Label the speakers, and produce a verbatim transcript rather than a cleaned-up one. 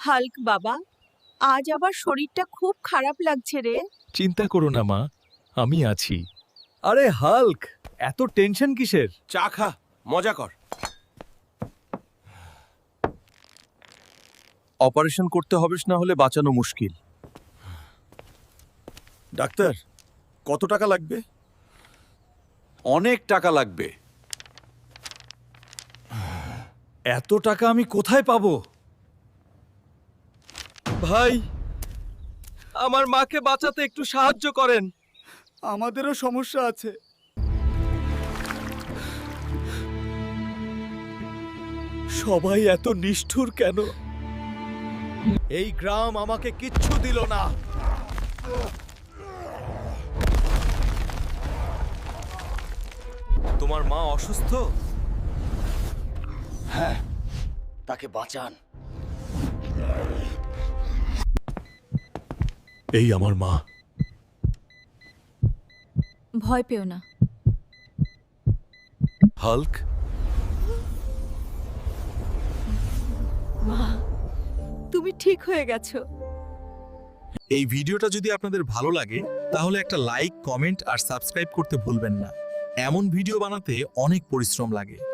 Speaker 1: Hulk বাবা, আজ আবার শরীরটা খুব খারাপ লাগছে রে।
Speaker 2: চিন্তা করো না মা, আমি আছি। আরে হাল্ক, এত টেনশন কিসের?
Speaker 3: চা খা, মজা কর।
Speaker 2: অপারেশন করতে হবে, না হলে বাঁচানো মুশকিল।
Speaker 3: ডাক্তার, কত টাকা লাগবে?
Speaker 2: অনেক টাকা লাগবে। এত টাকা আমি কোথায় পাবো? ভাই, আমার মাকে বাঁচাতে একটু সাহায্য করেন।
Speaker 4: আমাদেরও সমস্যা আছে।
Speaker 2: সবাই এত নিষ্ঠুর কেন? এই গ্রাম আমাকে কিচ্ছু দিল না। তোমার মা অসুস্থ?
Speaker 4: হ্যাঁ, তাকে বাঁচান।
Speaker 2: এই আমার মা।
Speaker 1: ভয় পেও না।
Speaker 2: হাল্ক,
Speaker 1: তুমি ঠিক হয়ে গেছো।
Speaker 5: এই ভিডিওটা যদি আপনাদের ভালো লাগে তাহলে একটা লাইক, কমেন্ট আর সাবস্ক্রাইব করতে ভুলবেন না। এমন ভিডিও বানাতে অনেক পরিশ্রম লাগে।